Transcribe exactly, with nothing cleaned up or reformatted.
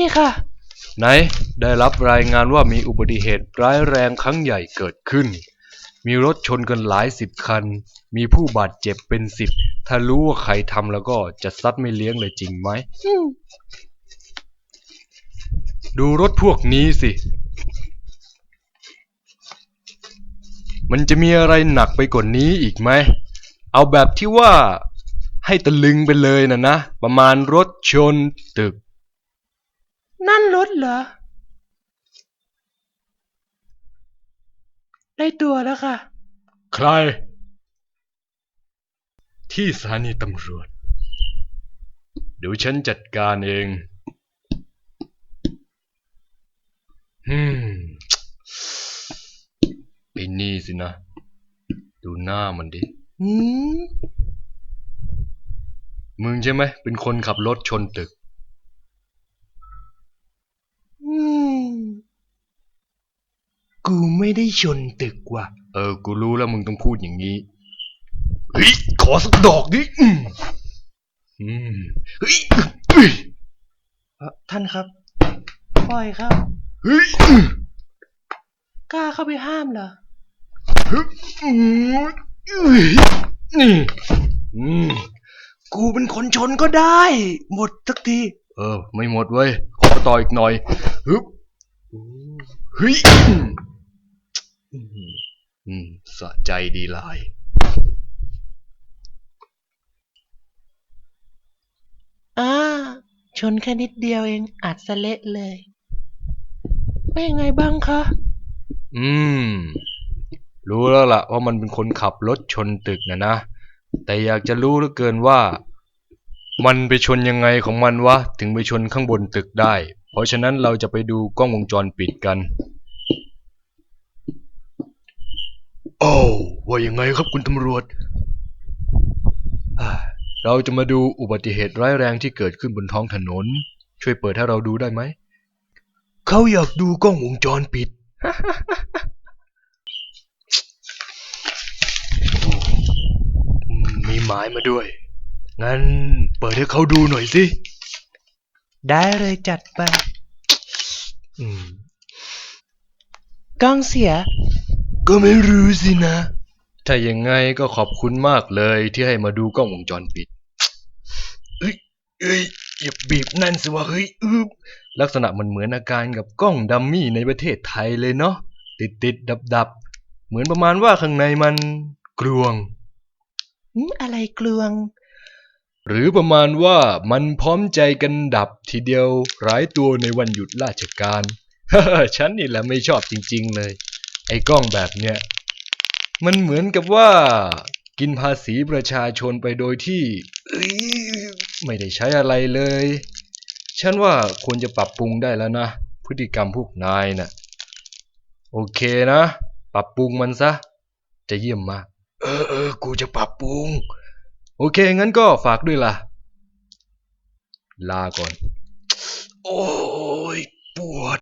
ค่ะไหนได้รับรายงานว่ามีอุบัติเหตุร้ายแรงครั้งใหญ่เกิดขึ้นมีรถชนกันหลายสิบคันมีผู้บาดเจ็บเป็นสิบถ้ารู้ว่าใครทำแล้วก็จะซัดไม่เลี้ยงเลยจริงไหมดูรถพวกนี้สิมันจะมีอะไรหนักไปกว่านี้อีกไหมเอาแบบที่ว่าให้ตะลึงไปเลยนะนะประมาณรถชนตึกนั่นรถเหรอได้ตัวแล้วค่ะใครที่สถานีตำรวจเดี๋ยวฉันจัดการเองฮึมไอ้นี่สินะดูหน้ามันดิอืมมึงใช่ไหมเป็นคนขับรถชนตึกอืมกูไม่ได้ชนตึกว่ะเออกูรู้แล้วมึงต้องพูดอย่างนี้เฮ้ยขอสักดอกดิอืมอืมเฮ้ยเฮ้ยท่านครับปล่อยครับเฮ้ยกล้าเข้าไปห้ามเหรอฮึบอืมเฮ้ยนี่อืมกูเป็นคนชนก็ได้หมดสักทีเออไม่หมดเว้ยขอต่ออีกหน่อยฮึบเฮ้ยอืมอืมสะใจดีหลายอ่าชนแค่นิดเดียวเองอาจสะเละเลยเป็นยังไงบ้างคะอืมรู้แล้วล่ะว่ามันเป็นคนขับรถชนตึกนะนะแต่อยากจะรู้เหลือเกินว่ามันไปชนยังไงของมันวะถึงไปชนข้างบนตึกได้เพราะฉะนั้นเราจะไปดูกล้องวงจรปิดกันโอ้ว่ายังไงครับคุณตำรวจเราจะมาดูอุบัติเหตุร้ายแรงที่เกิดขึ้นบนท้องถนนช่วยเปิดให้เราดูได้ไหมเขาอยากดูกล้องวงจรปิด มีหมายมาด้วยงั้นเปิดให้เขาดูหน่อยสิได้เลยจัดไปอืมกล้องเสียก็ไม่รู้สินะถ้าอย่างไงก็ขอบคุณมากเลยที่ให้มาดูกล้องวงจรปิดเอ้ยเอ้ยอย่าบีบนั่นสิวะเฮ้ยอึบลักษณะมันเหมือนอาการกับกล้องดัมมี่ในประเทศไทยเลยเนาะติดติดดับดับเหมือนประมาณว่าข้างในมันกลวงอืมอะไรกลวงหรือประมาณว่ามันพร้อมใจกันดับทีเดียวหลายตัวในวันหยุดราชการ ฉันนี่แหละไม่ชอบจริงๆเลยไอ้กล้องแบบเนี้ยมันเหมือนกับว่ากินภาษีประชาชนไปโดยที่ไม่ได้ใช้อะไรเลยฉันว่าควรจะปรับปรุงได้แล้วนะพฤติกรรมพวกนายน่ะโอเคนะปรับปรุงมันซะจะเยี่ยมมากเออเออกูจะปรับปรุงโอเคงั้นก็ฝากด้วยล่ะลาก่อนโอ้ยปวด